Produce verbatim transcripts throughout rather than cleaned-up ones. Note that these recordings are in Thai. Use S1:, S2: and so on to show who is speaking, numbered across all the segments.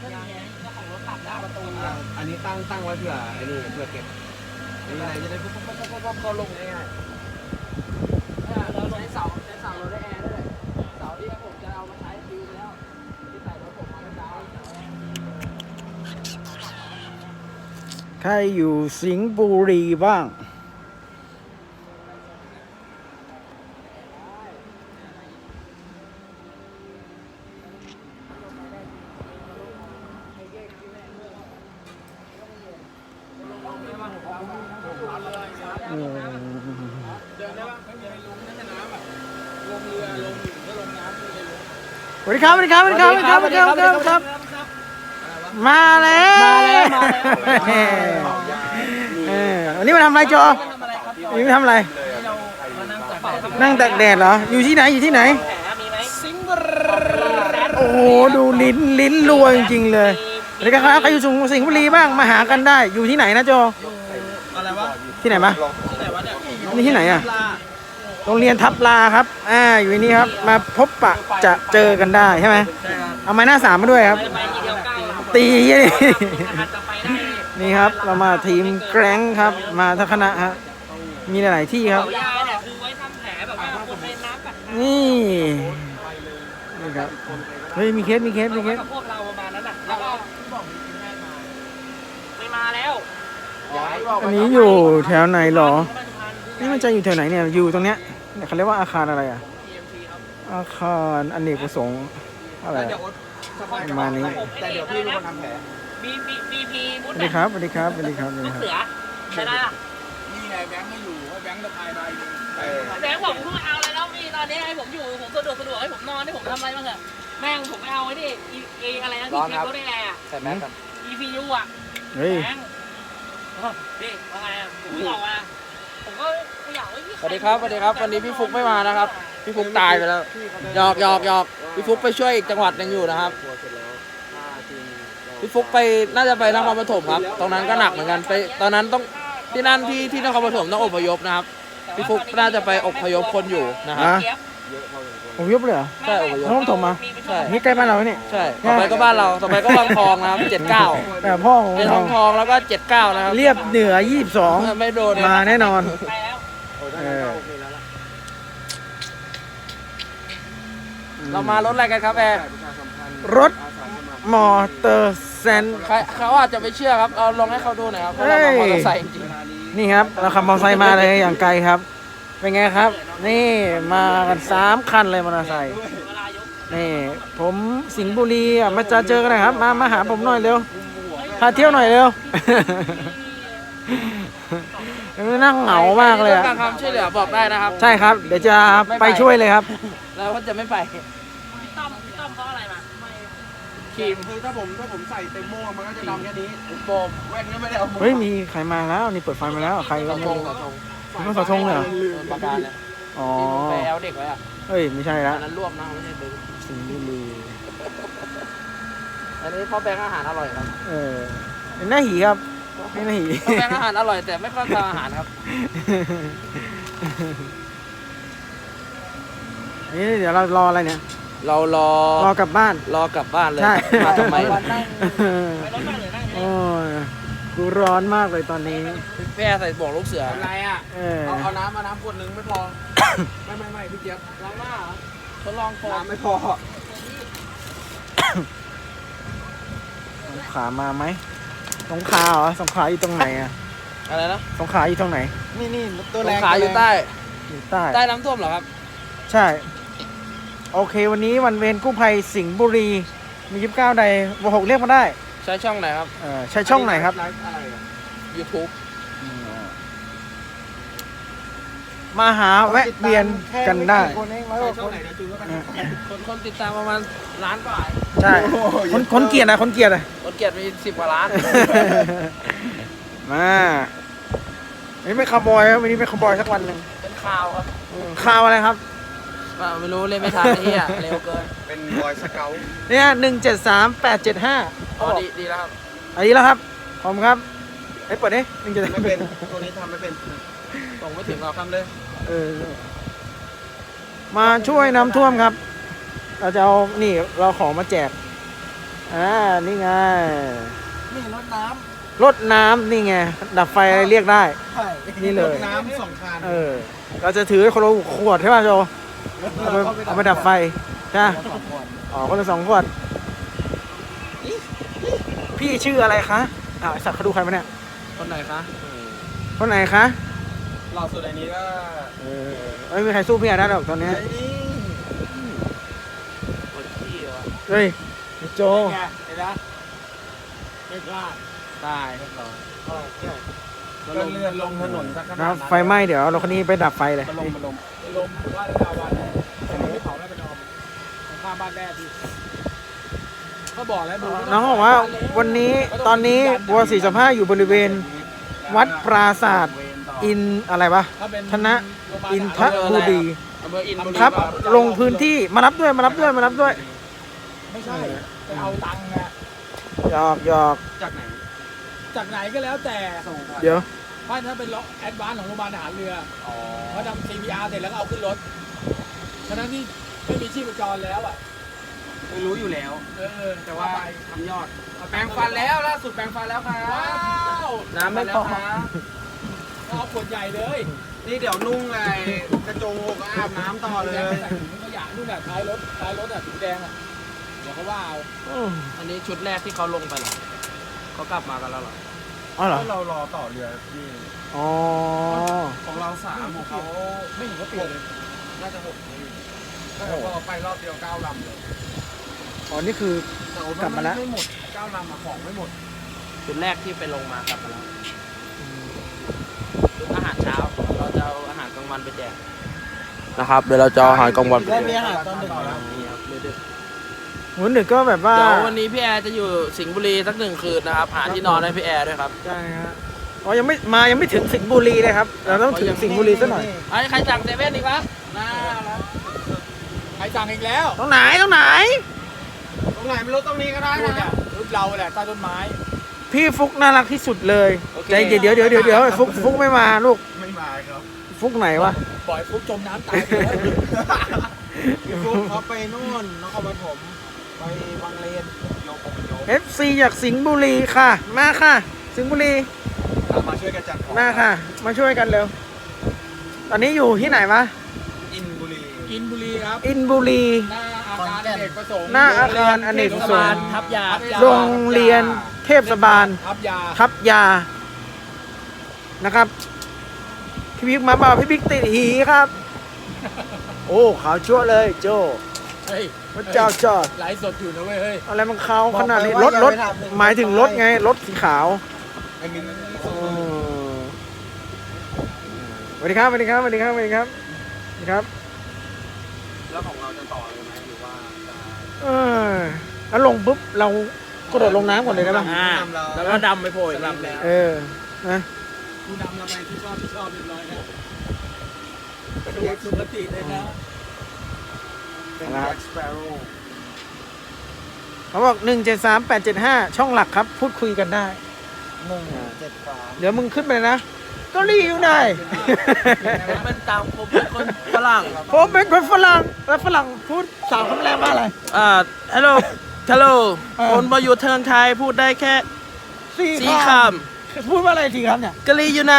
S1: อันนี้ตั้งตั้งไว้เผื่อไอ้นี่เผื่อเก็บมีอะไรจะได้ปุ๊บปุ๊บปุ๊บปุ๊บเข้าลงง่ายๆเราใช้เสาใช้เสาเราได้แอร์ด้วยเสาที่ผมจะเอามาใช้ฟิวแล้วที่ใส่รถผมมาเมื่อเช้า
S2: ใครอยู่สิงห์บุรีบ้างสวัสดีครับสวัสดีครับสวัสดีครับสวัสดีครับสวัสดีครับสวัสดีครับมาแล้วมาแล้ววันนี้มาทำอะไรจอวันนี้มาทำอะไรนั่งตากแดดเหรออยู่ที่ไหนอยู่ที่ไหนสิงห์บุรีโอ้โหดูลิ้นลิ้นรัวจริงๆเลยสวัสดีครับใครอยู่สิงห์บุรีบ้างมาหากันได้อยู่ที่ไหนนะจอ
S1: อะไรวะ
S2: ที่ไหนมา
S1: ที่ไหนวะเนี่ย
S2: นี่ที่ไหนอ่ะโรงเรียนทับลาครับอ่าอยู่นี่ครับมาพบปะจะเจอกันได้ใช่ไหมเอาไม้หน้าสามมาด้วยครับตีนี่นี่ครับเรามาทีมแกร่งครับมาทั้งคณะฮะมีหลายๆที่ครับนี่นี่ครับเฮ้ยมีเคสมีเคสมีเคส
S3: พวกเราประมาณนั้นน่ะแล้วก็ไม่มาแล้ว
S2: อันนี้อยู่แถวไหนหรอนี่มันจะอยู่แถวไหนเนี่ยอยู่ตรงเนี้ยเขาเรียกว่าอาคารอะไรอ่ะอาคารอเนกประสงค์อะไรประมาณนี้
S1: แต่เดี๋ยวพี่เป็นคนทำแผล
S3: บีบีบีพีมุด
S2: สวัสดีครับสวัสดีครับสวัสดีครับ
S3: ลูกเสือใช่ไหมล่ะ
S1: นี่ไงแบงค์ไม่อยู่ว่าแบงค์จะพายไป
S3: แบงค์บอกผมเอาอะไรแล้วพี่ตอนนี้ให้ผมอยู่ผมสะดวกสะดวกให้ผมนอนให้ผมทำอะไรบ้างเถอะแม่งผมไม่เอาไว้ดิเออะไรนะที่เช็ครถได้แน่อะ
S1: แต่แบงค์กัน
S3: อีพียูอ่ะ
S2: เฮ้ย
S3: แบงค์นี่ว่าไงอ่ะผมบอกว่าผมก็ไม่อยากว่า
S4: สวัสดีครับสวัสดีครับวันนี้พี่ฟุกไม่มานะครับพี่ฟุกตายไปแล้วหยอกหยอกหยอกพี่ฟุกไปช่วยอีกจังหวัดหนึ่งอยู่นะครับพี่ฟุกไปน่าจะไปนครปฐมครับตรงนั้นก็หนักเหมือนกันไปตอนนั้นต้องที่นั่นที่ที่นครปฐมต้องอพยพนะครับพี่ฟุกน่าจะไปอพยพคนอยู่นะครับ
S2: อพยพเลยเหรอ
S4: ใช่อพยพ
S2: นครปฐมมาใช่นี่ใกล้บ้านเราเนี่ย
S4: ใช่ต่อไปก็บ้านเราต่อไปก็วังทองนะครับเจ็ดเก้า
S2: แต่พ่อของ
S4: เป็นวังทองแล้วก็เจ็ดเก้านะครับ
S2: เรียบเหนือยี่สิบสอง
S4: ไม่โดน
S2: มาแน่นอน
S4: เรามารถอะไรกันครับแอร์
S2: รถมอเตอร์ไซค์
S4: เขาอาจจะไม่เชื่อครับเอาลองให้เขาดูหน่อยครับเพราะเรามอเตอร์ไซค์จริง
S2: นี่ครับเราขับมอเตอร์ไซค์มาเลยอย่างไกลครับเป็นไงครับนี่มากันสามคันเลยมอเตอร์ไซค์นี่ผมสิงห์บุรีอ่ะมาจะเจอกันนะครับมามาหาผมหน่อยเร็วพาเที่ยวหน่อยเร็วนั่งเหงามากเลยอ่ะ
S4: การความช่วยเหลือบอกได้นะครับ
S2: ใช่ครับเดี๋ยวจะไปช่วยเลยครับ
S4: แล้วก็จะไม่ไป
S3: พี่ต้อมพี่ต้อมเพราะอะไรมา
S1: ขีมคือถ้าผมถ้าผมใส่เต็มโม่มันก็จะดำแค่นี้โบมแว่นก็ไม่ได้เอา
S2: เฮ้ยมีใครมาแล้วนี่เปิดไฟมาแล้วใครก็ไม่รู้ต้องสะทงเลยเหรอ
S4: ประกาศเลย
S2: อ๋อ
S4: ไปแอลเด็กไว้อะ
S2: เฮ้ยไม่ใช่แล้ว
S4: นั้นรวมนะไม่ใช่ดึง
S2: สิงห์บุรี
S4: อันนี้พ่อแบงค์อาหารอร่อยครับ
S2: เออเป็นหน้าหีครับไม่หน้าหี
S4: พ่อแบงค์อาหารอร่อยแต่ไม่ค่อยทานอาหารครับ
S2: นี่เดี๋ยวเรารออะไรเนี่ย
S4: เรารอ
S2: รอกลับบ้าน
S4: รอกลับบ้านเลย
S2: ใช่
S4: มาทำไม
S2: โอ้ยกูร้อนมากเลยตอนนี้
S4: แม่ใส่บ่วงลูกเสือ
S1: อะไรอ่ะเอาเอาน้ำมาน้ำขวดนึงไม่พอไม่ไม่ไม่พี่เจี๊ยบ
S4: ล้างหน้าทดลองฟอ
S1: น้ำไม่พอ
S2: สงขลามาไหมสงขลาเหรอสงขลาอยู่ตรงไหนอะ
S4: อะไรนะ
S2: สงขลาอยู่ตรงไหน
S1: นี่นี่ตัว
S4: แรงสงขลาอยู่ใต้
S2: อยู่ใต้
S4: ใต้น้ำท่วมเหรอครับ
S2: ใช่โอเควันนี้วันเวรกู้ภัยสิงห์บุรีมียี่สิบเก้าใดวหกเรียกมาได้
S4: ใช้ช่องไหนครับ
S2: เออใช้ช่องไหนครับ
S4: YouTube
S2: มาหาแวะเวียนกันได้
S4: คนคนติดตามประมาณล้านกว่า
S2: ใช่คนคนเกียรตินะคนเกียรติ
S4: คนเกียรติมีสิบกว่าล้าน
S2: มาวันนี้ไม่ขบอยครับวันนี้ไม่ขบอยสักวันหนึ่ง
S4: เป็นข่าวครับ
S2: ข่าวอะไรครับ
S4: ไม่รู้เล่นไม่ทันที่อ่ะเร็วเกิน
S1: เป็นบอยสเกล
S2: เนี่ยหนึ่งเจ็ดสามแปดเจ็ดห้า
S4: อ๋อดีดีแล้วครับ
S2: อันนี้แล้วครับผมครับไอ้เปิดดิหนึ่งเจ็ด
S1: ไม่เป็นตัวนี้ทำไม่เป็น
S4: ส่งไม่ถึงเรา
S1: ทำเลย
S2: เออมาช่วยน้ำท่วมครับเราจะเอานี่เราของมาแจกอ่านี่ไง
S1: นี่รถน้
S2: รถน้ำนี่ไงดับไฟอะไรเรียกได้
S1: ำใช่
S2: นี่เลย
S1: รถน้ำสองคัน
S2: เออเราจะถือคนละขวดใช่ป่ะโจเอาไปเอาไปดับไฟใช่ไหม
S1: สองคน
S2: อ๋อคนละสองขวดพี่ชื่ออะไรคะอ้าวไอสัตว์เขาดูใครมาเนี่ย
S1: คนไหนคะ
S2: คนไหนคะ
S1: หล่อสุดในนี้ก็
S2: เออไม่มีใครสู้พี่อาได้หรอกตอนนี้
S1: ไอ้นี่
S2: เฮ้ยไอ้โจ
S1: ไงเห็นไหมไม่พลาดตายเรียบร้อยก็เลื่อนลงถนนสักขนาด
S2: นะ
S1: นั้น
S2: ไฟไหม้เดี๋ยวเราคนนี้ไปดับไฟเลย
S1: มาลงมาลงมาลงว่าได้ดาวันแต่ไม่เผาไม่เป็นออมข้างบ้านแม่พี่ก็บอกแล้วดู
S2: น้องบอกว่าวันนี้ตอนนี้วัวสี่สิบห้าอยู่บริเวณวัดปราศาสตร์อินอะไรวะ
S1: ถ้าเป็น
S2: ธนอินทบุรี
S4: อำเภออินบุรี
S2: ครับ ลงพื้นที่มารับด้วยมารับด้วยมารับด้วย
S1: ไม่ใช่ไปเอาตังค์อะ
S2: หยอกหยอก
S1: จากไหน จากไหนก็แล้วแต่
S2: เดี๋ยว
S1: เพราะถ้าเป็นล็อกแอดวานซ์ของโรงพยาบาลทหารเรือเขาทำ ซี พี อาร์ เสร็จแล้วก็เอาขึ้นรถฉะนั้นที่ไม่มีชีพจรแล้วอ่ะ
S5: ไม่รู้อยู่แล้ว
S1: เออ
S5: แต่ว่าทำยอด แปรงฟันแล้วล่าสุดแปรงฟันแล้วครับ
S1: ว้าว
S2: น้ำไม่พอ
S5: ครับ
S1: เอาขวดใหญ่เลย
S5: นี่เดี๋ยวนุ่งไงกระโจงอกอาบน้ำต่อเล
S1: แล้
S5: ย
S1: วใส่ถุงขยะนู่นน่ะท้ายรถท้ายรถอ่ะถุงแดงอ่ะเดี๋ยวเขาว่าเอา
S2: อืม
S4: อันนี้ชุดแรกที่เขาลงไปเหรอเขากลับมากันแล้วเหรอ
S2: อ๋อเหรอ
S5: เรารอต่อเรือพี่
S2: อ๋อ
S5: ของเราสามของเขา
S1: ไม่เห็นเขาเปลี่ยนเลย
S5: น่าจะหกนี่ก็แต่พอไปรอบเดียวเก้าลำเลย
S2: อ๋อนี่คือ
S5: แต่โอ้
S2: กลับมาแล้ว
S5: ไม่หมดเก้าลำอะของไม่หมด
S4: ชุดแรกที่ไปลงมากลับมาแล้วชุดอาหารเช้า เราจะเอาอาหารกลางวันไปแจกนะครับเดี๋ยวเราจะเอาอาหารกลางวันไปแจ
S1: ได้
S4: ก
S1: มีอาหารตอนดึกแล้ว
S4: นี่ครับเดี๋ยว
S2: หัวหนึ่งก็แบบว่า
S4: เดี๋ยววันนี้พี่แอร์จะอยู่สิงห์บุรีสักหนึ่งคืนนะครับหาที่นอนให้พี่แอร์ด้วยครับ
S2: ใช่ฮะอ๋อยังไม่มายังไม่ถึงสิงห์บุรีเลยครับเราต้องถึงสิงห์บุรีซะหน่อย
S4: ไอ้ใครสั่งเซเว่นอีกวะ
S1: น่าแล้วใครสั่งอีกแล้ว
S2: ตรงไหนตรงไหน
S5: ตรงไหนไม่รู้ตรงนี้ก็ได้
S1: นู่น
S5: นะ
S1: น่ะรูปเราแหละใต้ต้นไม้
S2: พี่ฟุกน่ารักที่สุดเลยใจเดี๋ยวเดี๋ยวเดี๋ยวเดี๋ยวเดี๋ยวฟุกฟุกไม่มาลูก
S5: ไม่มาครับ
S2: ฟุกไหนวะ
S1: ปล่อยฟุกจมน้ำตายไปแล้ว
S5: พี่ฟุ๊กเขาไปนู่นนครปฐมไปบางเลนโยกไปโยก
S2: เอฟซีจากสิงห์บุรีค่ะ มาค่ะ สิงห์บุรี
S5: มาช่วยกันจัดของ
S2: มาค่ะ มาช่วยกันเร็ว ตอนนี้อยู่ที่ไหนวะ
S5: อินบุรี
S1: กินบุรีครับ
S2: อินบุรี
S1: หน้าอาคารอเนกประสงค์
S2: หน้าอาคารอเนกประสงค์
S4: ทับยา
S2: โรงเรียนเทพบาล
S1: ทับยา
S2: ทับยานะครับ พี่บิ๊กมาเปล่าพี่บิ๊กติดหีครับ โอ้ขาวชั่วเลยโจ
S1: เฮ้ย
S2: พระเจ้าจอด
S1: ไลฟ์สดอยู่นะเว้ยเฮ้ย
S2: อะไรมันขาวขนาดนี้รถรถหมายถึงรถไง รถสีขาว
S5: ไอ้มิน
S2: อ๋อสวัสดีครับสวัสดีครับสวัสดีครับสวัสดีครับสวัสดีครับ
S5: แล้วของเราจะต่อเลยไหมหรือว่าจะ
S2: เออแล้วลงปุ๊บเรากระโดดลงน้ำก่อนเลยได้ป่ะ
S4: อ่าแล้วก็ดำไปโผล่อีกลำหนึ่ง
S2: เออนะ
S1: กูนำเราไปที่ชอบที่ชอบเรียบร้อยแล้วไปดูสุขติเลยนะ
S5: เป็นแบ็กสเปโร่
S2: เขาบอกหนึ่งเจ็ดสามแปดเจ็ดห้าช่องหลักครับ พูดคุยกันได้
S5: หนึ่งเจ็ดสาม
S2: เดี๋ยวมึงขึ้นไปเลยนะเก็รีอยู่ไหน
S4: ผมเป็นตามผมเป็นคนฝรั่ง
S2: ผมเป็นคนฝรั่งแล้วฝรั่งพูดสาวคำแรงว่าอะไร
S4: อ่าฮัลโหลฮัลโหล
S2: เออ
S4: คนมาอยู่เทิงไทยพูดได้แค่
S2: สี่
S4: สี่ค
S2: พูดว่าอะไรสี่คำเนี่ย
S4: ำกะลีอยู่ไหน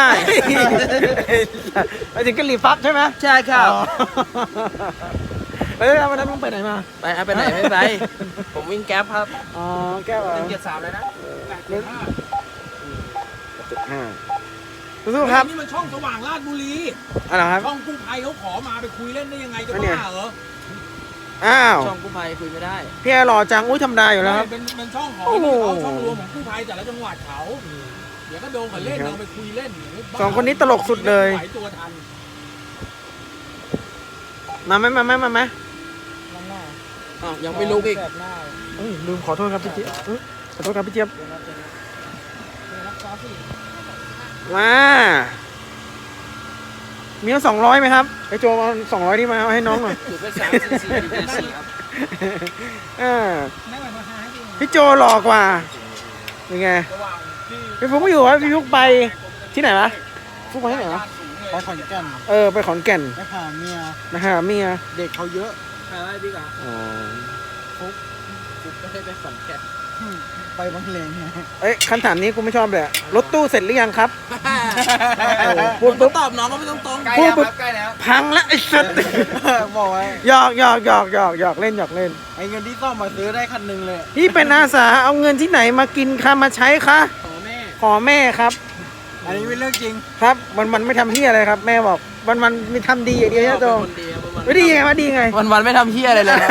S2: ไปถึงกะหรี่ปั๊บใช่ไหม
S4: ใช่ครับ
S2: อ๋อเอ้ยวันนั้นมึงไปไหนมา
S4: ไปเอาไปไหนไม่ไป ผมวิ่งแก๊ปครับ
S2: อ๋อแก้วเหรอ
S5: หนึ่งเจ็ดสามเลยนะ
S2: เจ็ดห้าสู้ๆครับ
S1: นี่มันช่องสว่างราชบุรี
S2: อะไรครับ
S1: ช่องกู้ภัยเขาขอมาไปคุยเล่นได้ยังไงจะ
S2: อันเนี้ย
S1: บ้าเหรอ
S2: อ้าว
S4: ช่องกู้ภัยคุยไม่ได้
S2: พี่แอร์หล่อจัง อุ้ยธรรมดาอยู่แล้วครับ
S1: เป็นเป็นช่องของ
S2: โอ้โห
S1: เขาช่องรวมของกู้ภัยแต่ละจังหวัดเขาเดี๋ยวก็โดนเขาเล่น
S2: ครับ
S1: เราไปคุยเล่นย่าบ้า
S2: สองคนนี้ตลกสุดเลย
S1: ไหวตัวทัน
S2: มาไหมมาไหมมาไหม
S4: อ้าวยังไม่ลุกอีก
S2: เอ้ยลืมขอโทษครับพี่เจี๊ยบเอ้ยขอโทษครับพี่เจี๊ยบมามีเอาสองร้อยไหมครับไอโจเอาสองร้อยที่มาเอาให้น้องหน่อย
S4: ถือเป็นสามสี่สี่เป็นสี่ครับ
S2: เออพี่โจหล่อกว่ายังไง
S1: ระหว่างที่
S2: พี่ฟุกไม่อยู่วะพี่ฟุกไปที่ไหนวะฟุกไปที่ไหนวะ
S5: ไปขอนแก่น
S2: เออไปขอนแก่น
S5: ไปหาเมีย
S2: นะฮะเมีย
S5: เด็กเขาเยอะ
S1: ใครไล่บิ๊กอ่ะ
S2: อ๋อ
S5: สี
S4: ปุ๊บก็ได้ไปขอนแก่น
S5: ไปบางเลนไง
S2: เอ้ยคำถามนี้กูไม่ชอบเลยอะรถตู้เสร็จหรือยังครับ พู
S4: พู
S2: ด
S4: ด
S2: ปุ๊บ
S4: ตอบน้องก็ไม่ต้องตรง
S1: ใกล้
S2: พูด
S1: แล้ว
S2: ปุ๊
S1: ครับ บใกล้แล้ว
S2: พังละไอ้สัส
S5: บอกไว้
S2: หยอกหยอกหยอกหยอกหยอกเล่นหยอกเล่น
S5: ไอ้เงินที่ซ่อมมาซื้อได้คันหนึงเลย
S2: พี่เป็นอาสาเอาเงินที่ไหนมากินคะมาใช้คะ
S4: ขอแม่
S2: ขอแม่ครับ
S5: อันนี้เป็นเรื่องจริง
S2: ครับ มันมันไม่ทำเฮียอะไรครับ แม่บอกมันมันมีทำดีอย่างเดียวใช่ไหมโจ
S4: คนดีครับวัน
S2: ไม่ดีไงวะดีไง
S4: วันวันๆไม่ทำเฮียอะไรเลยนะ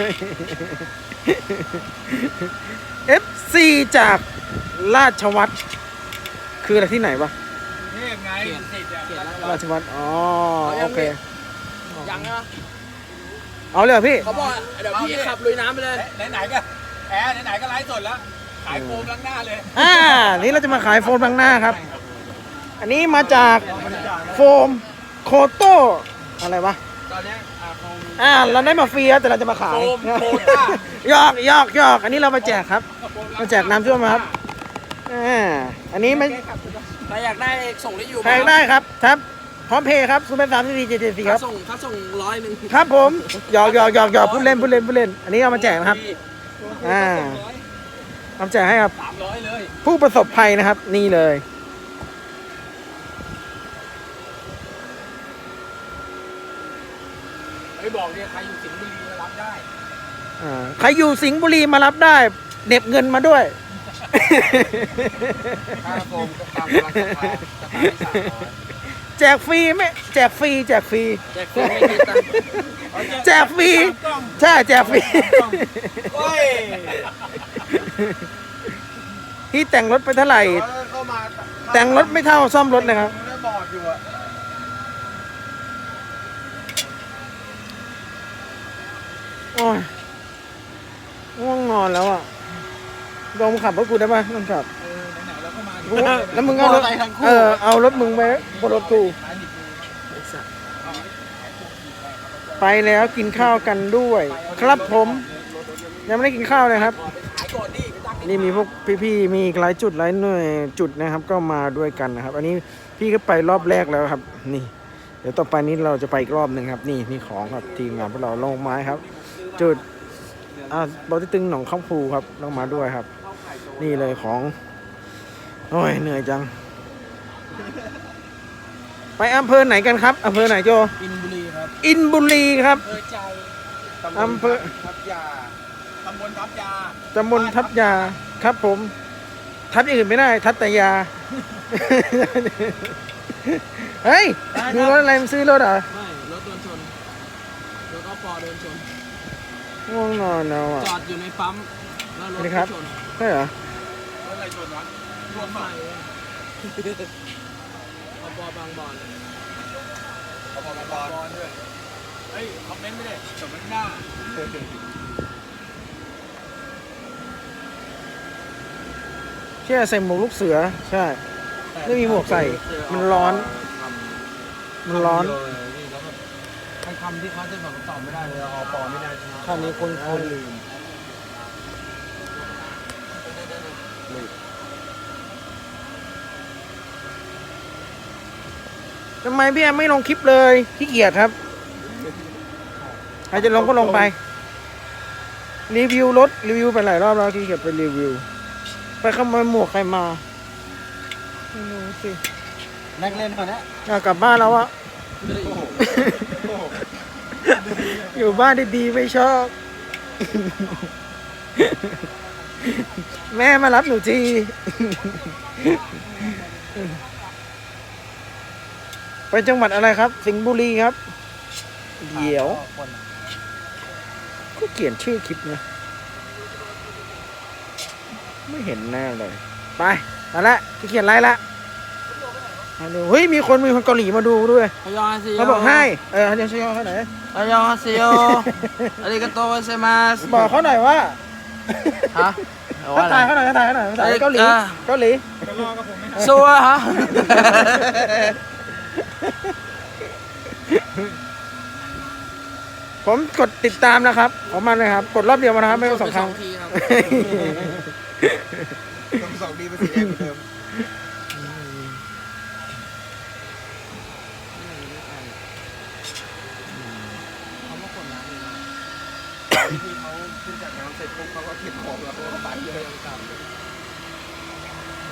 S2: เอฟซีจากราชวัตรคืออะไรที่ไหนวะ
S5: นี่ไง
S4: เขียนเขียนแล้ว
S2: ราชวัตรอ๋อ
S4: เอายัง
S2: โอเค
S4: ยังไงวะ
S2: เอาเลยเหรอพี่
S4: เขาบอกเดี๋ยวพี่ขับลุยน้ำไปเลย
S5: ไหนๆก็แอร์ไหนๆก็ไลฟ์สดแล้ว ขายโฟมล้างหน้าเลย
S2: อ่า นี่เราจะมาขายโฟมบางหน้าครับ อันนี้มาจากโฟมโคโต้อะไรวะ
S1: ตอนเนี้ยอ่าคง
S2: อ่า เราได้มาฟรีครับแต่เราจะมาขาย
S5: โฟมโคต้า
S2: หยอกหยอกหยอกอันนี้เรามาแจกครับ มาแจกน้ำท่วมครับ อ่า อันนี้ไม่
S4: ใครอยากได้ส่งได้อยู่
S2: แพงได้ครับครับ พร้อมเพย์ครับศูนย์แปดสามสี่สี่เจ็ดเจ็ดสี่ค
S4: ถ้า
S2: รับ
S4: ส่งถ้าส่งร้อยหนึ่ง
S2: ครับผมหยอกหยอกหยอกหยอกพูดเล่นพูดเล่นพูดเล่น อันนี้เอามาแจกนะครับ อ่าเอามาแจกให้ครับ
S5: สามร้อยเลย
S2: ผู้ประสบภัยนะครับ นี่เลย
S5: ไอ้บอกเนี่ยใครอยู่สิงห์บุรีมารับได้
S2: อ่าใครอยู่สิงห์บุรีมารับได้เหน็บเงินมาด้วย
S1: ค่าโฟมก็ตามกำลังศรัทธาศรัทธาที่สามร้อย
S2: แจกฟรีไหมแจกฟรีแจกฟรี
S4: แจกฟรีไม่คิดตังค์
S2: แจกฟรีใช่แจกฟรี
S5: โอ้ย
S2: พี่แต่งรถไปเท่าไหร่
S1: แต่ว่าเข้ามา
S2: แต่งรถไม่เท่าซ่อมรถนะครับ
S1: มันได้บอดอยู่อะ
S2: โอ้ยง่วงนอนแล้วอ่ะลองขับรถกูได้ป่ะลองขับ
S5: เออไหนๆเราก็มา
S2: กูแล้วมึงเอารถเออเอารถมึงไปบนรถกูไปแล้วกินข้าวกันด้วย ครับผมยังไม่ได้กินข้าวเลยครับ นี่มีพวกพี่ๆมีอีกหลายจุดหลายหน่วยจุดนะครับ ก็มาด้วยกันนะครับ อันนี้พี่ก็ไปรอบแรกแล้วครับ นี่ เดี๋ยวต่อไปนี้เราจะไปอีกรอบหนึ่งครับ นี่นี่ของครับทีมงานพวกเราลงไม้ครับ จุดอ่าบอลที่ตึงหนองข้าวภูครับลงมาด้วยครับ นี่เลยของโอ้ยเหนื่อยจัง ไปอำเภอไหนกันครับอำเภอไหนโจ
S5: อินบุรีครับ
S2: อินบุรีครับ
S5: เออใจ
S2: อำเภอ
S1: ทับยา
S5: ตำบลทับยา
S2: ตำบลทับยาครับผม ทับอย่างอื่นไม่ได้ ทับแต่ยา เฮ้ยดูรถอะไรมึงซื้อรถเหรอ
S4: ไม่รถโดนชนรถก็ปอโดนชน
S2: ง่วงนอนแล้วอ่ะ
S4: จอดอยู่ในปั๊มแล้วรถ
S2: สวัสดีครับ
S4: ชน
S2: ใช่เหรอ
S5: รถอะไรชนวะ
S4: รถใหม่เอาปอบางบอน
S5: ขอบคุณบอลด้วยเฮ้ยคอมเมนต์ไม่ได้จบมันหน้า
S2: เชื่อใส่หมวกลูกเสือ ใช่ ไม่มีหมวกใส่ มันร้อน มันร้อน
S1: ไอ้คำที่เขาจะแบบตอบไม่ได้เลยอปอไม่ได้ใช่ไหม
S2: คำนี้คนคนลืมทำไมพี่แอมไม่ลงคลิปเลยขี้เกียจครับ ใครจะลงก็ลงไป รีวิวรถ รีวิวไปหลายรอบแล้วขี้เกียจไปรีวิว ไปขโมยหมวกใครมาไม่รู้สิ
S5: นักเล่นคนนี้
S2: อยากกลับบ้านแล้วอะ อยู่บ้านดีๆไม่ชอบ แม่มารับหนูที ไปจังหวัดอะไรครับ สิงห์บุรีครับ เดี๋ยวก็เขียนชื่อคลิปนะไม่เห็นแน่เลย ไปมาละที่เขียนไรละมาดูเฮ้ยมีคนมีคนเกาหลีมาดูด้วย
S4: พยองอาซิโย
S2: เขาบอกให้เออเขาจะช่วยเขาหน่อย
S4: พยองอาซิโยอาริกาโตเซมาส
S2: บอกเขาหน่อยว่า
S4: ฮะ
S2: ทักทายเขาหน่อยทักทายเขาหน่อยภาษาเกาหลี
S4: อ่า
S2: เกาหลี
S4: ซัวฮะ
S2: ผมกดติดตามนะครับของมันเลยครับ กดรอบเดียวมานะครับ ไม่ต้องสองครั้ง
S4: ทีครับ
S1: ต้องสองดีเป็นสีแดงเหมือนเดิม
S4: เขามากดน้ำเลยนะ
S1: ที่เขาขึ้นจากน้ำเสร็จปุ๊บเขาก็เก็บ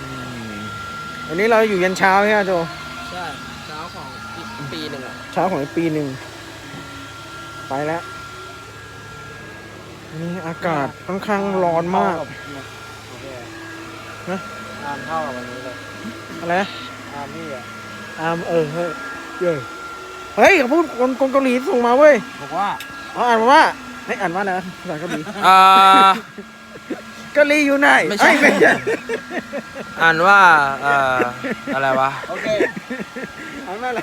S2: วันนี้เราอยู่ยันเช้าใช่ไหมโจ
S4: ใช่เช้าของอีกปีหนึ่งอ่ะ
S2: เช้าของอีกปีหนึ่งไปแล้วนี่อากาศค่อนข้างร้อนมาก
S5: โอเค
S2: นะ
S5: อามเข้ากับวันนี้เลย
S2: อะไรนะ
S5: อามนี่อ่ะ
S2: อามเออเฮ้ยเฮ้ยเฮ้ยเขาพูดคนคนเกาหลีส่งมาเว้ย
S4: บอกว่า
S2: เขาอ่านมาว่าให้อ่านว่าอะไรนะภาษาเกาหลี
S4: อ่า
S2: เกาหลีอยู่ไหน
S4: ไม่ใช่
S2: เอ้ยไม่ใช่
S4: อ่านว่าเอ่ออะไรวะ
S5: โอเค
S2: อ่านว่าอะไร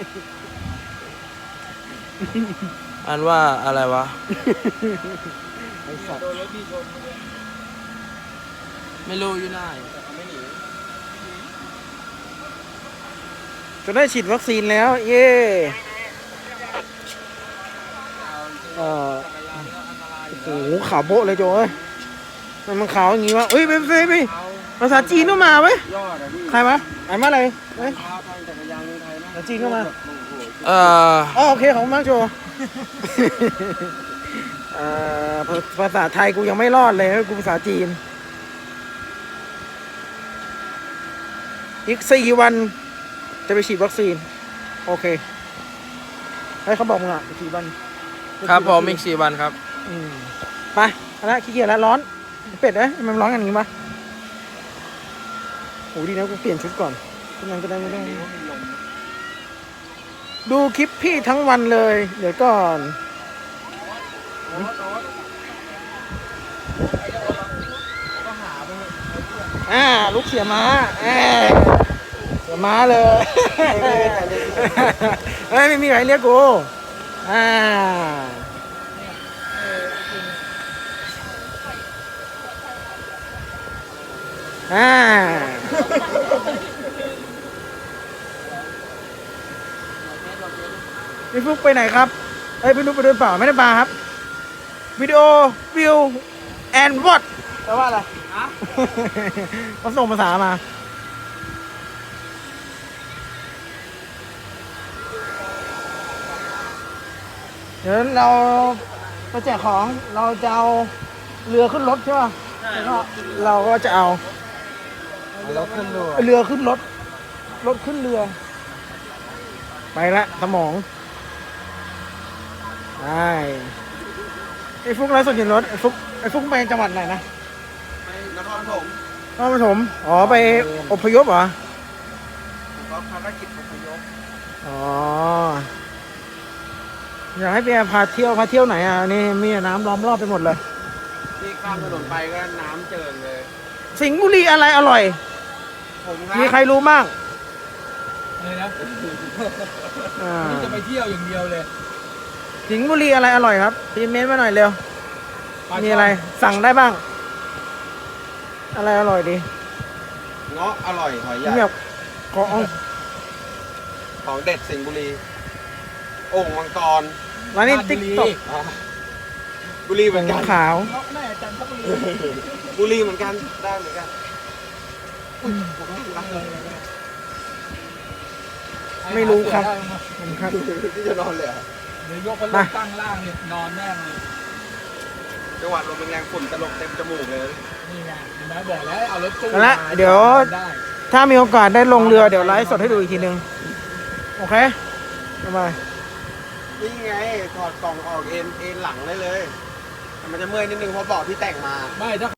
S4: อ่านว่าอะไรวะ
S2: ไอ้สัตว์
S5: โดนรถพี่ชนเลย
S4: ไม่รู้อยู่ไหน
S5: แต่เขาไม่หนี
S2: จะได้ฉีดวัคซีนแล้ว เย่เออ
S5: จักรยานก็อันตรายอยู่
S2: โอ้
S5: แล้ว
S2: โหขาวโบ๊ะเลยโจ้เอ้ยมันมันขาวอย่างงี้วะเอ้ยไปไปไป
S5: เอา
S2: ภาษาจีนก็มาเว้ย
S5: ยอดอ่ะพี่
S2: ใครมาอ่านว่าอะไรเว้ย
S5: พาทางจักรยานเมืองไทยนะ
S2: แล้วจีนเข้ามา
S5: โอ้โห
S4: เอ่อ
S2: อ๋อโอเคของมากโจ เอ่อภาภาษาไทยกูยังไม่รอดเลยกูภาษาจีน อีกสี่วัน จะไปฉีดวัคซีน โอเคให้เขาบอกมึงอ่ะอีกสี่วัน
S4: ครับผมอีกสี่วันครับ
S2: อืมไปเอาละขี้เกียจแล้วร้อน เป็ดเอ้ยทำไมมันร้อนกันอย่างนี้วะโหดีนะกูเปลี่ยนชุดก่อนทุกนั้นจะได้ไม่ต้องดูคลิปพี่ทั้งวันเลย เดี๋ยวก่อน
S5: ก็หาไปเถอะ
S2: อ่าลูกเสียม้าเอ้ยเสียม้าเลย เฮ้ย ไม่มีใครเรียกกูอ่าอ่าพี่ฟุกไปไหนครับเอ้ยพี่นุ๊กไปเดินเปล่าไม่ได้มาครับวิดีโอวิวแอนด์วอตแปลว่าอะไร
S3: ฮะ
S2: เขาส่งภาษามา เดี๋ยวเราไปแจกของ เราจะเอาเรือขึ้นรถใช่ป่ะแล้วก็เราก็จะเอา
S5: แล้วขึ้นดู
S2: เรือขึ้นรถ รถขึ้นเรือ ไปละสมองไปไอ้ฟุกไร้สดอยู่รถไอ้ฟุกไอ้ฟุกไปจังหวัดไหนนะ
S5: ไปนครปฐม
S2: นครปฐมอ๋อไปอพยพเหรอ
S5: ผมก็ภารกิจอพยพ
S2: อ๋อ อยากให้พี่แอร์พาเที่ยวพาเที่ยวไหนอ่ะ นี่มีน้ำล้อมรอบไปหมดเลย
S5: ที่ข้ามถนนไปก็น้ำเจิ่งเลย
S2: สิงห์บุรีอะไรอร่อย
S5: ผมครั
S2: มีใครรู้บ้าง
S5: เลยนะ
S2: อ่า
S5: จะไปเที่ยวอย่างเดียวเลย
S2: สิงห์บุรีอะไรอร่อยครับพีเมนต์มาหน่อยเร็ว มีอะไรสั่งได้บ้าง อะไรอร่อยดี
S5: เงาะอร่อยหอยใหญ่
S2: แบบขอเอา
S5: ของเด็ดสิงห์บุรีโอ่งมังกร
S2: ร้านนี้ติ๊กต็อก
S5: อ่าบุรีเหมือนกัน
S2: ขาว
S5: บุรีเหมือนกันได้เหมือนกันอุ๊ยผมว่ารักเลย
S2: ไม่รู้ครับผมครับ
S5: ที่จะนอนเลยเหรอ
S1: เดี๋ยวยกพัดล
S2: มา
S1: มตั้งล่างเนี่ยนอนแม่งเลย
S5: จังหวัดลมแรงๆฝุ่นตลบเต็มจมูกเลย
S1: นี่ไงเห็นไหมบอกแล้วเอารถตู้
S2: เอาละ
S1: มา
S2: เดี๋ยว
S1: ได้
S2: ถ้ามีโอกาสได้ลงเรือเดี๋ยวไลฟ์สดให้ดูอีกทีนึง โอเคทำไม
S5: นี่ไงถอดกล่องออกเอ็นเอ็นหลังได้เลยแต่มันจะเมื่อยนิดนึงเพราะเบาะที่แต่งมา
S1: ไม่ถ้า